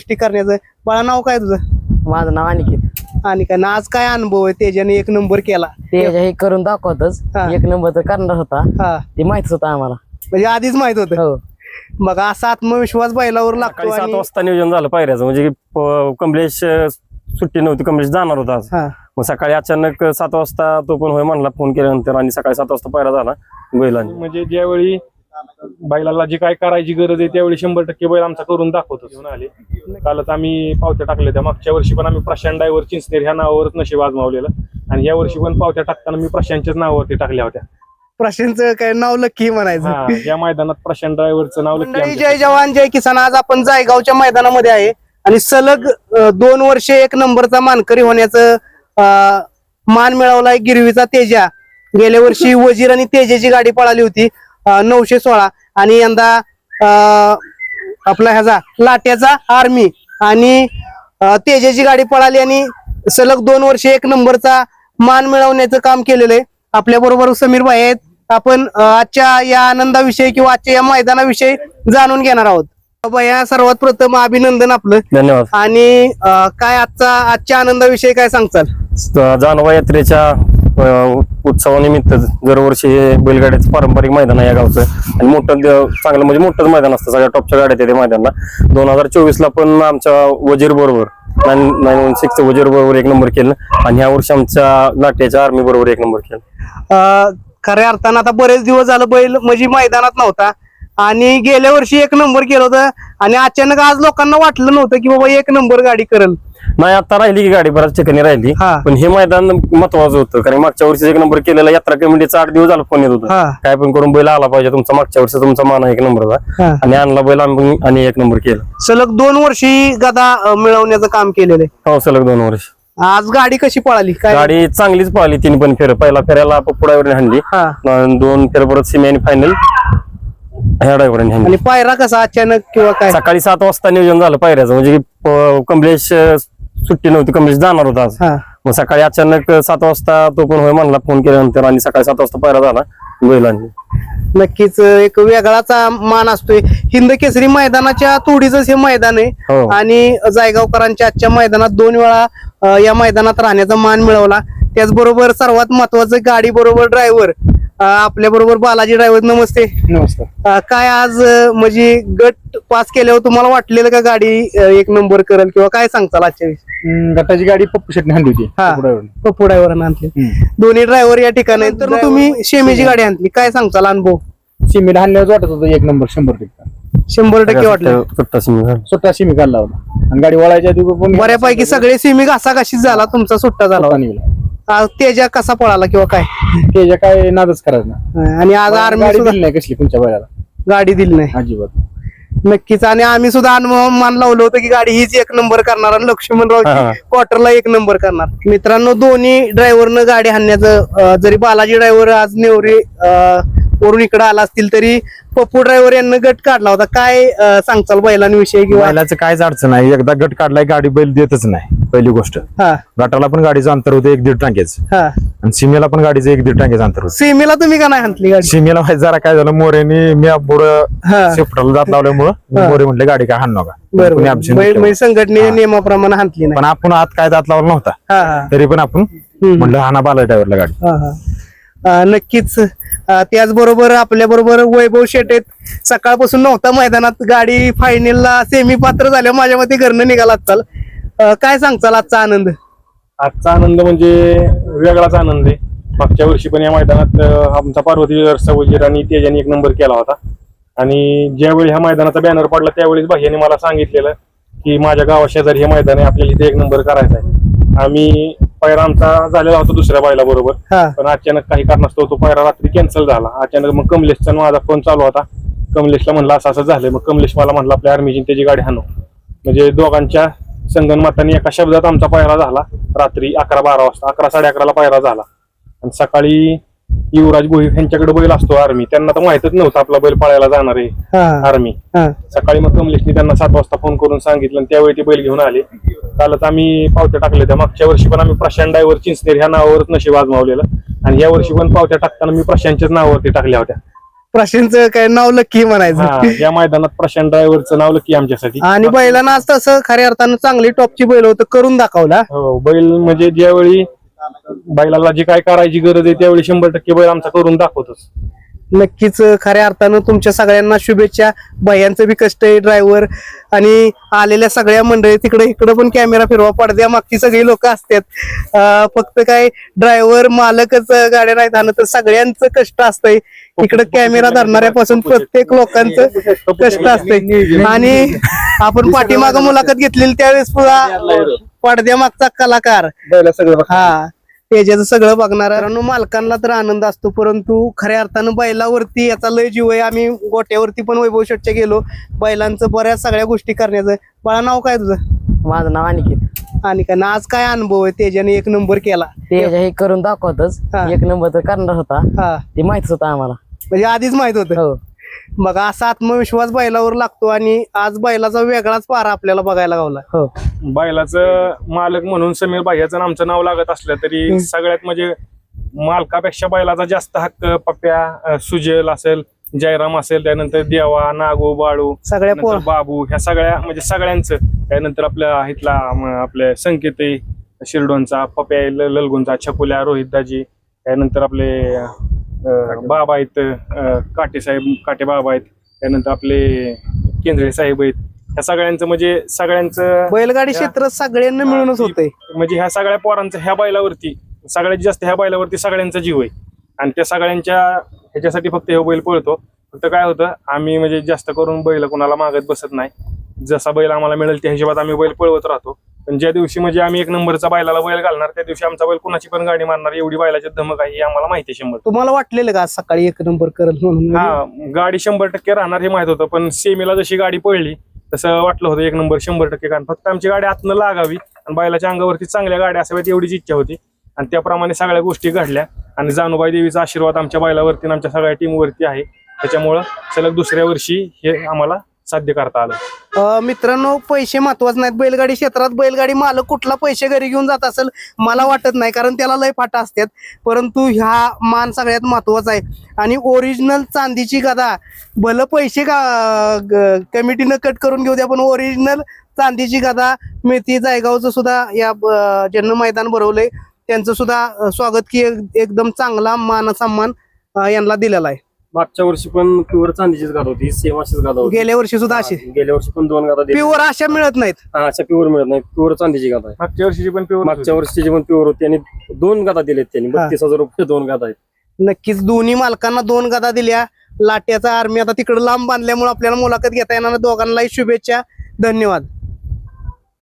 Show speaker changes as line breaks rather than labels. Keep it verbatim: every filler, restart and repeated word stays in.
गोष्टी करण्याचं. बाळा नाव काय तुझं?
माझं नाव अनिकेत.
आणि काय ना आज काय अनुभव आहे त्याच्याने एक नंबर केला?
ते हे करून दाखवतच
हा.
एक नंबर तर करणार होता,
हा
ते माहितच होतं आम्हाला.
म्हणजे आधीच माहित होतं.
हो
मग असा आत्मविश्वास बैलावर लागतो.
सकाळी सात
आणि
वाजता नियोजन झालं पायऱ्याचं, म्हणजे की प- कमलेश अं, सुट्टी नव्हती, कमलेश जाणार होता आज.
हा
मग सकाळी अचानक सात वाजता तो पण होय म्हणला फोन केल्यानंतर, आणि सकाळी सात वाजता पायरा झाला बैलांनी.
म्हणजे ज्यावेळी बैलाला जी काय करायची गरज आहे त्यावेळी शंभर टक्के बैल आमचा करून दाखवतो. घेऊन आले कालच आम्ही पावत्या टाकल्या त्या. मागच्या वर्षी पण आम्ही प्रशांत ड्रायव्हर चिंचनेर ह्या नावावरच नशीब आजमावलेलं, आणि या वर्षी पण पावत्या टाकताना मी प्रशांतच्याच नावावरती टाकल्या होत्या.
प्रशांतचं काय नाव लक्की म्हणायचं.
हा, या मैदानात प्रशांत ड्रायव्हरचं नाव लक्की
मंडळी,
आमच्या.
जय जवान जय किसान. आज आपण जायगावच्या मैदानामध्ये आहे आणि सलग अ, दोन वर्षे एक नंबरचा मानकरी होण्याचं अ, मान मिळवलाय गिरवीचा तेजा. गेल्या वर्षी वजीर आणि तेजाची गाडी पळाली होती अ, नऊशे सोळा, आणि यंदा अ, आपला ह्याचा लाट्याचा आर्मी आणि अ, तेजाची गाडी पळाली आणि सलग दोन वर्षे एक नंबरचा मान मिळवण्याचं काम केलेलं आहे. आपल्या बरोबर समीर भाई आहेत. आपण अ, आजच्या या आनंदाविषयी किंवा आजच्या या मैदानाविषयी जाणून घेणार आहोत. भैया, सर्वात प्रथम अभिनंदन आपलं.
धन्यवाद.
आणि अ, काय आजचा आजच्या आनंदाविषयी काय सांगचाल?
जानवा यात्रेच्या अं, उत्सवानिमित्त दरवर्षी हे बैलगाड्याचं पारंपरिक मैदान आहे या गावचं, आणि मोठं द- चांगलं म्हणजे मोठंच मैदान असतं. सगळ्या टॉपच्या गाड्या येते मैदानाला. दोन हजार चोवीस ला पण आमच्या वजीर बरोबर नाईन नाईन वन सिक्स वजीर बरोबर एक नंबर केलं, आणि ह्या वर्षी आमच्या लाट्याच्या आर्मी बरोबर एक नंबर केलं.
अ, खऱ्या अर्थानं आता बरेच दिवस झालं बैल म्हणजे मैदानात नव्हता, आणि गेल्या वर्षी एक नंबर केलं होतं, आणि अचानक आज लोकांना वाटलं नव्हतं की बाबा एक नंबर गाडी करल.
नाही, आता राहिली की गाडी बऱ्याच ठिकाणी राहिली,
हा.
पण हे मैदान महत्वाचं होतं, कारण मागच्या वर्षी एक नंबर केलेला यात्रा कमिटीचा आठ दिवस झाला फोन येत होता,
हा.
काय पण करून बैल आला पाहिजे तुमचा, मागच्या वर्षी तुमचा मान आहे एक नंबरचा,
हा.
आणि आणला बैल आम्ही आणि एक नंबर केला.
सलग दोन वर्षी गदा अ, मिळवण्याचं काम केलेलं आहे.
हो, सलग दोन वर्ष.
आज गाडी कशी पळाली काय?
गाडी चांगलीच पळाली, तीन पण फेर. पहिला फेऱ्याला पुढावर हाणली,
हा.
अन् दोन फेर परत सिमी आणि फायनल ह्या ड्रायव्हरांनी हाणली.
आणि पायरा कसा अचानक किंवा काय?
सकाळी सात वाजता नियोजन झालं पायऱ्याचं, म्हणजे की प- कमलेश अं, सुट्टी नव्हती, कमलेश जाणार होता आज.
हा.
मग सकाळी अचानक सात वाजता तो पण होय म्हणला फोन केल्यानंतर, आणि सकाळी सात वाजता पायरा झाला बैलांनी.
नक्कीच एक वेगळाचा मान असतोय. हिंद केसरी मैदानाच्या तोडीच हे मैदान आहे,
हो.
आणि जायगावकरांच्या आजच्या मैदानात दोन वेळा अ, या मैदानात राहण्याचा मान मिळवला. त्याचबरोबर सर्वात महत्वाचं गाडी बरोबर ड्रायव्हर आपल्या बरोबर बालाजी ड्रायव्हर. नमस्ते.
नमस्कार.
अ, काय आज अ, म्हणजे गट पास केल्यावर तुम्हाला वाटलेलं का गाडी अ, एक नंबर करेल, किंवा काय सांगताल आजच्या विषयी?
हम्म, गटाची गाडी पप्पू शेटने आणली होती.
हा.
पप्पू driver ने.
पप्पू ड्रायव्हर आणली. दोन्ही ड्रायव्हर या ठिकाणी आहेत. तर तुम्ही शेमीची गाडी आणली, काय सांगताल अनुभव?
सिमेंट आणल्यावर वाटत होतं एक नंबर शंभर टक्के.
शंभर टक्के वाटलं.
सुट्टा सिमी झाला.
स्वतः सिमी काढला होता, आणि गाडी वळायच्या आधी पण
बऱ्यापैकी सगळे सेमी घासाघाशीच झाला, तुमचा सुट्टा झाला.
स्वतः निघाला.
आ, तेजा कसा पळाला किंवा काय?
त्याच्या काय नादच करायचं ना.
आणि आज आर्मी
गाडी
सुद्धा
दिली नाही कसली तुमच्या बैलाला,
गाडी दिली नाही.
अजिबात.
नक्कीच. आणि आम्ही सुद्धा अनुभव मान लावलं होतं की गाडी हीच एक नंबर करणार, आणि लक्ष्मणराव
हा.
क्वार्टरला एक नंबर करणार. मित्रांनो, दोन्ही ड्रायव्हरनं गाडी हाणण्याचं अ, जरी बालाजी ड्रायव्हर आज नेवरे अ, वरून इकडे आला असतील, तरी पप्पू ड्रायव्हर यांना गट काढला होता. काय अ, सांगचाल बैलांविषयी किंवा?
बैलाचं कायच अडचण नाही, एकदा गट काढलाय गाडी बैल देतच नाही. पहिली गोष्ट,
हा
गटाला पण गाडीचं अंतर होतं एक दीड टांग्याचं,
हा.
आणि सीमेला पण गाडीचं एक दीड टांग्याचं अंतर होतं.
सेमीला तुम्ही का नाही हाणली गाडी?
सीमेला माहिती जरा काय झालं, मोरेनी मी पुढं
हा.
शिफ्टला जात लावल्यामुळं
हा.
मोरे म्हटले गाडी काय हाण नका.
बरोबर.
कोणी option
बैल-
नाही
म्हणजे संघटने
हा.
नियमाप्रमाणे हाणली नाही.
पण आपण आत काय दात लावला नव्हता,
हा हा
तरी पण आपण
हम्म.
म्हटलं हाना बाला ड्रायव्हरला गाडी.
हा, हा. अ, नक्कीच. अ, त्याचबरोबर आपल्या बरोबर वैभव शेट आहेत. सकाळपासून नव्हता मैदानात, गाडी फायनलला सेमी पात्र झाल्या माझ्या मते घरनं निघाला चाल. काय सांगचाल आजचा आनंद?
आजचा आनंद म्हणजे वेगळाच आनंद आहे. मागच्या वर्षी पण या मैदानात अं, आमचा पार्वती वजीर आणि तेजाने एक नंबर केला होता, आणि ज्यावेळी ह्या मैदानाचा बॅनर पडला त्यावेळेस भाईयाने मला सांगितलेलं की माझ्या गावा शेजारी हे मैदान आहे, आपल्याला इथे एक नंबर करायचा आहे. आम्ही पायरा आमचा झालेला होता दुसऱ्या बायला बरोबर,
हा.
पण अचानक काही कारणास्तव तो पायरा रात्री कॅन्सल झाला. अचानक मग कमलेशचा माझा फोन चालू होता, कमलेशला म्हणलं असं असं झालंय. मग कमलेश मला म्हणला आपल्या आर्मीची त्याची गाडी हाणव. म्हणजे दोघांच्या संगनमताने एका शब्दात आमचा पायरा झाला. रात्री अकरा बारा वाजता अकरा साडे अकराला पायरा झाला, आणि सकाळी युवराज गोहिल यांच्याकडे बैल असतो आर्मी, त्यांना तर माहितच नव्हतं आपला बैल पळायला जाणार आहे
हा,
आर्मी.
हा.
सकाळी मग कमलेशने त्यांना सात वाजता फोन करून सांगितलं, आणि त्यावेळी ते बैल घेऊन आले. कालच आम्ही पावत्या टाकल्या त्या. मागच्या वर्षी पण आम्ही प्रशांत ड्रायव्हर चिंचनेर ह्या नावावरच नशीब आजमावलेलं, आणि या वर्षी पण पावत्या टाकताना मी प्रशांतच्याच नावावरती टाकल्या होत्या.
प्रशांतचं काय नाव लक्की
हा
म्हणायचं.
या मैदानात प्रशांत ड्रायव्हरचं नाव लकी आमच्यासाठी.
आणि बैलांना आज तसं खऱ्या अर्थानं चांगली टॉपची बैल होतं करून दाखवला.
हो बैल म्हणजे ज्यावेळी बैलाला जी काय करायची गरज आहे त्यावेळी शंभर टक्के बैल आमचा करून दाखवतोच.
नक्कीच खऱ्या अर्थानं तुमच्या सगळ्यांना शुभेच्छा. भैयांचं बी कष्ट आहे ड्रायव्हर आणि आलेल्या सगळ्या मंडळी तिकडे इकडे पण कॅमेरा फिरवा पडद्या मागची सगळी लोक असतात. अं, फक्त काय ड्रायव्हर मालकच गाड्या नाही आणत तर सगळ्यांचं कष्ट असतंय. इकडे कॅमेरा धरणाऱ्यापासून प्रत्येक लोकांचं कष्ट असतंय. आणि आपण पाठीमागं मुलाखत घेतलेली त्यावेळेस पुन्हा पडद्या मागचा कलाकार हा त्याच्याचं सगळं बघणार. कारण मालकांना तर आनंद असतो परंतु खऱ्या अर्थानं बैलावरती याचा लय जीव आहे. आम्ही गोट्यावरती पण वैभव शेटच्या गेलो बैलांचं बऱ्याच सगळ्या गोष्टी करण्याचं. बाळा नाव काय तुझं?
माझं नाव अनिकेत.
आणि काय ना आज काय अनुभव आहे त्याच्याने एक नंबर केला?
तेजा हे करून दाखवतच
हा.
एक नंबर तर करणार होता
हा
ते माहितच होतं आम्हाला.
म्हणजे आधीच माहित होतं.
हो
मग असा आत्मविश्वास बैलावर लागतो आणि आज बैलाचा वेगळाच पारा आपल्याला बघायला गावला.
हो
बैलाचं मालक म्हणून समीर भाईयाचं आमचं नाव लागत असलं तरी सगळ्यात म्हणजे मालकापेक्षा बैलाचा जास्त हक्क पप्प्या अं, सुजल असेल, जयराम असेल, त्यानंतर देवा, नागू, बाळू,
सगळ्या
नंतर
पोर
बाबू, ह्या सगळ्या म्हणजे सगळ्यांचं. त्यानंतर आपल्या इथला म, आपले संकेत आहे, शिरडोनचा पप्प्या आहे, ल- ललगुंचा, छकुल्या, रोहित दाजी, त्यानंतर आपले अं, बाबा आहेत, अं, काटे साहेब, काटे बाबा आहेत, त्यानंतर आपले केंद्रे साहेब आहेत. ह्या सगळ्यांचं म्हणजे सगळ्यांचं
बैलगाडी क्षेत्र सगळ्यांना मिळूनच होतंय.
म्हणजे ह्या सगळ्या पोरांचं ह्या बैलावरती सगळ्यात जास्त ह्या बैलावरती सगळ्यांचा जीव आहे. आणि त्या सगळ्यांच्या ह्याच्यासाठी फक्त हे बैल पळतो. फक्त काय होतं आम्ही म्हणजे जास्त करून बैल कोणाला मागत बसत नाही. जसा बैल आम्हाला मिळेल त्या हिशोबात आम्ही बैल पळवत राहतो. पण ज्या दिवशी म्हणजे आम्ही एक नंबरचा बैलाला बैल घालणार त्या दिवशी आमचा बैल कुणाची पण गाडी मारणार एवढी बैलाची धमक आहे हे आम्हाला माहिती आहे शंभर.
तुम्हाला वाटलेलं का आज सकाळी एक नंबर करल म्हणून?
हा गाडी शंभर टक्के राहणार हे माहित होतं पण सेमीला जशी गाडी पडली तसं वाटलं होतं एक नंबर शंभर टक्के. कारण फक्त आमची गाडी आतनं लागावी आणि बैलाच्या अंगावरती चांगल्या गाड्या असाव्यात एवढीच इच्छा होती. आणि त्याप्रमाणे सगळ्या गोष्टी घडल्या आणि जानुबाई देवीचा आशीर्वाद आमच्या बैलावरती आणि आमच्या सगळ्या टीमवरती आहे. त्याच्यामुळं सलग दुसऱ्या वर्षी हे आम्हाला साध्य करता आलं.
अं, मित्रांनो पैसे महत्वाचे नाहीत. बैलगाडी क्षेत्रात बैलगाडी मालक कुठला पैसे घरी घेऊन जात असेल मला वाटत नाही कारण त्याला लय फाटा असतात. परंतु ह्या मान सगळ्यात महत्वाचा आहे. आणि ओरिजिनल चांदीची गदा भलं पैसे का ग- कमिटीनं कट करून घेऊ द्या पण ओरिजिनल चांदीची गदा मिळती. जायगावचं सुद्धा या ब- ज्यांना मैदान भरवलंय त्यांचं सुद्धा अं, स्वागत की एक- एकदम चांगला मान सन्मान अं, यांना दिलेला आहे.
मागच्या वर्षी पण प्युअर चांदीचीच गादा होती, सेम अशीच गादा होती.
गेल्या वर्षी सुद्धा अशी
गेल्या वर्षी पण दोन गादा दिल्या.
प्युअर अशा मिळत नाहीत.
हा, अशा प्युअर मिळत नाही, प्युअर चांदीची गादा आहे.
मागच्या वर्षीची पण प्युअर
मागच्या वर्षीची पण प्युअर होती आणि दोन गादा दिलेत त्यांनी
हा.
बत्तीस हजार रुपये दोन गादा आहेत.
नक्कीच दोन्ही मालकांना दोन गदा दिल्या. लाट्याचा आर्मी आता तिकडे लांब बांधल्यामुळे आपल्याला मुलाखत घेता येणार नाही. दोघांनाही शुभेच्छा. धन्यवाद.